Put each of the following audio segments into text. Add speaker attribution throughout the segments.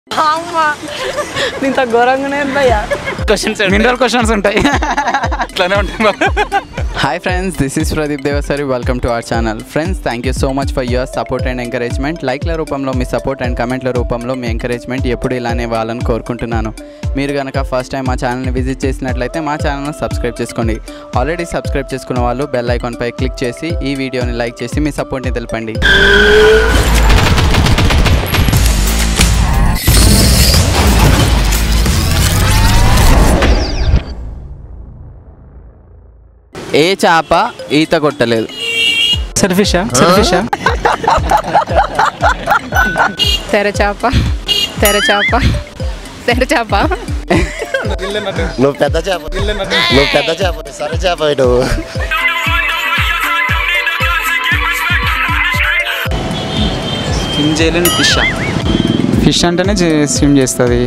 Speaker 1: ఇంత ఘోరంగానే భయ్యా questions mineral questions ఉంటాయి ఇట్లానే ఉంటాయి.
Speaker 2: Hi friends, this is Pradeep Devasari. Welcome to our channel. Friends, thank you so much for your support and encouragement. లైక్ల రూపంలో మీ support and కమెంట్ల రూపంలో మీ encouragement ఎప్పుడు ఇలానే ఇవ్వాలని కోరుకుంటున్నాను. మీరు కనుక ఫస్ట్ టైం మా ఛానల్ని విజిట్ చేసినట్లయితే మా ఛానల్ని సబ్స్క్రైబ్ చేసుకోండి. ఆల్రెడీ సబ్స్క్రైబ్ చేసుకున్న వాళ్ళు బెల్ ఐకాన్పై క్లిక్ చేసి ఈ వీడియోని లైక్ చేసి మీ సపోర్ట్ని తెలపండి. ఏ చేప ఈత కొట్టలేదు?
Speaker 1: తెరచాప
Speaker 3: నువ్వు పెద్ద చేప సరే చేప నువ్వు.
Speaker 2: స్విమ్ చేయలేని
Speaker 1: ఫిష్ అంటేనే స్విమ్ చేస్తుంది.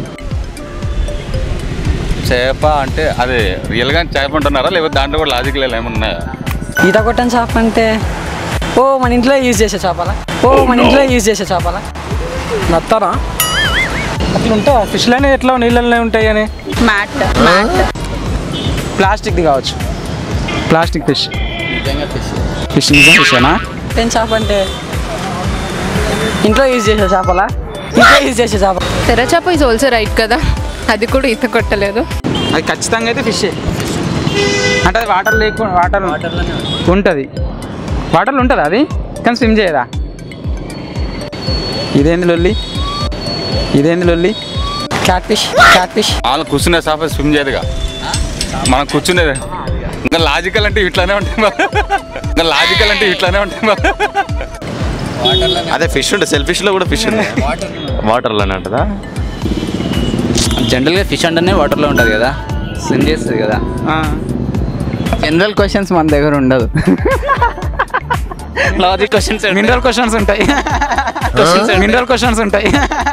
Speaker 4: చేప అంటే అది రియల్గా చేప అంటున్నారా లేకపోతే దాంట్లో కూడా లాజిక్ ఏమన్నాయా?
Speaker 1: ఈత కొట్టని చేప అంటే మన ఇంట్లో యూజ్ చేసే చేపలా నత్తనా అట్లా ఉంటా? ఫిష్లోనే ఎట్లా నీళ్ళనే ఉంటాయి అని
Speaker 5: మ్యాట్
Speaker 1: ప్లాస్టిక్ది కావచ్చు. ప్లాస్టిక్ ఫిష్
Speaker 2: నిజంగా
Speaker 1: ఫిషేనా? ఏం చేప అంటే ఇంట్లో యూజ్ చేసే చేప.
Speaker 5: తెరచాప ఇస్ ఆల్సో రైట్ కదా, అది కూడా ఈత కొట్టలేదు.
Speaker 1: అది ఖచ్చితంగా అయితే ఫిషే. అంటే అది వాటర్లోనే ఉంటుంది. వాటర్లో ఉంటుంది అది, కానీ స్విమ్ చేయదా? ఇదేంది లొల్లి? క్యాట్ ఫిష్
Speaker 4: వాళ్ళు కూర్చునే చేప స్విమ్ చేయదుగా, మనం కూర్చునేది. ఇంకా లాజికల్ అంటే ఇట్లానే ఉంటాయి.
Speaker 3: అదే ఫిష్ ఉంటుంది, సెల్ ఫిష్లో కూడా ఫిష్ ఉంది. వాటర్లోనే ఉంటుందా?
Speaker 2: జనరల్గా ఫిష్ అంటేనే వాటర్లో ఉంటుంది కదా, స్విమ్ చేస్తుంది కదా. జనరల్ క్వశ్చన్స్ మన దగ్గర ఉండదు. లాజిక్ క్వశ్చన్స్,
Speaker 1: మినరల్ క్వశ్చన్స్ ఉంటాయి.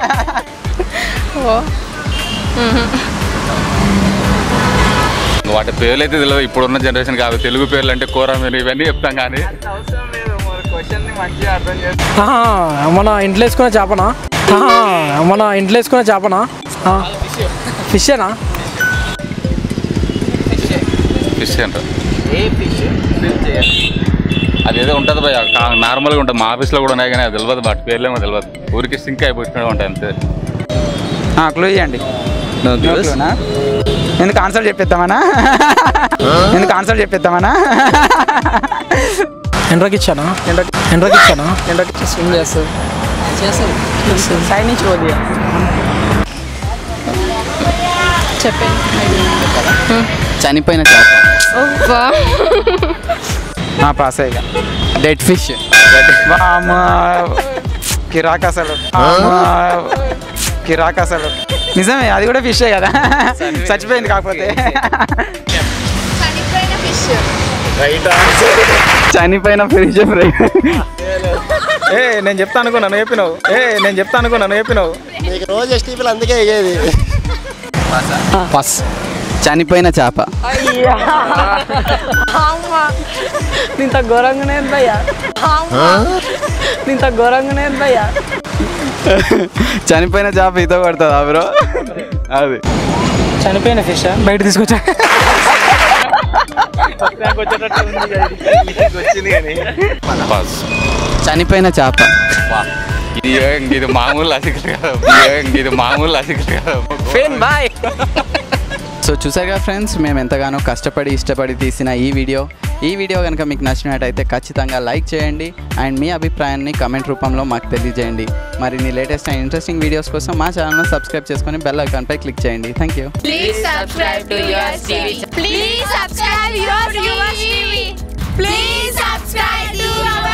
Speaker 4: వాటి పేర్లు అయితే తెలియదు ఇప్పుడున్న జనరేషన్ కాదు. తెలుగు పేర్లు అంటే కూర మీరు ఇవన్నీ చెప్తాం కానీ
Speaker 1: మన ఇంట్లో వేసుకునే చేపనా? ఫిషేనా?
Speaker 4: ఫిష్ అంటారు. అదేదో ఉంటుంది భయ, నార్మల్గా ఉంటుంది. మా ఆఫీస్లో కూడా ఉన్నాయి కానీ అది తెలియదు, వాటి పేర్లేమో తెలియదు. ఊరికి సింక్ అయిపోయినట్టు ఉంటాయి అంతే.
Speaker 1: క్లూ ఇవ్వండి. ఎందుకు ఆన్సర్ చెప్పేద్దామనా? ఎండ్రకి ఇచ్చానా స్విమ్ చేస్తారు సైడ్ నుంచి పోది.
Speaker 5: చెప్పండి.
Speaker 2: చనిపోయిన చేప.
Speaker 1: పాస్ అయ్యా.
Speaker 2: Dead fish.
Speaker 1: కిరాక్ అసలు నిజమే, అది కూడా ఫిషే కదా. చచ్చిపోయింది కాకపోతే.
Speaker 2: చనిపోయిన ఫిష్ ఫ్రై.
Speaker 1: నేను చెప్తా అనుకున్నాను చెప్పినావు.
Speaker 3: నీకు రోజు ఎస్టీపీలు అందుకే అయ్యేది.
Speaker 2: పాస్. చనిపోయిన చేప.
Speaker 1: ఇంత ఘోరంగానే భయ్యా.
Speaker 2: చనిపోయిన చేప ఈత కొడుతుందా బ్రో? అది
Speaker 1: చనిపోయిన ఫిష్ బయట తీసుకొచ్చా.
Speaker 2: చనిపోయిన చేప.
Speaker 4: ఇది మామూలు లాజికల్ కాదు.
Speaker 2: సో చూసారుగా ఫ్రెండ్స్, మేము ఎంతగానో కష్టపడి ఇష్టపడి తీసిన ఈ వీడియో కనుక మీకు నచ్చినట్టయితే ఖచ్చితంగా లైక్ చేయండి అండ్ మీ అభిప్రాయాన్ని కమెంట్ రూపంలో మాకు తెలియజేయండి. మరిన్ని లేటెస్ట్ అండ్ ఇంట్రెస్టింగ్ వీడియోస్ కోసం మా ఛానల్ను సబ్స్క్రైబ్ చేసుకొని బెల్ ఐకాన్పై క్లిక్ చేయండి. Thank you.
Speaker 5: Please subscribe to Yours TV.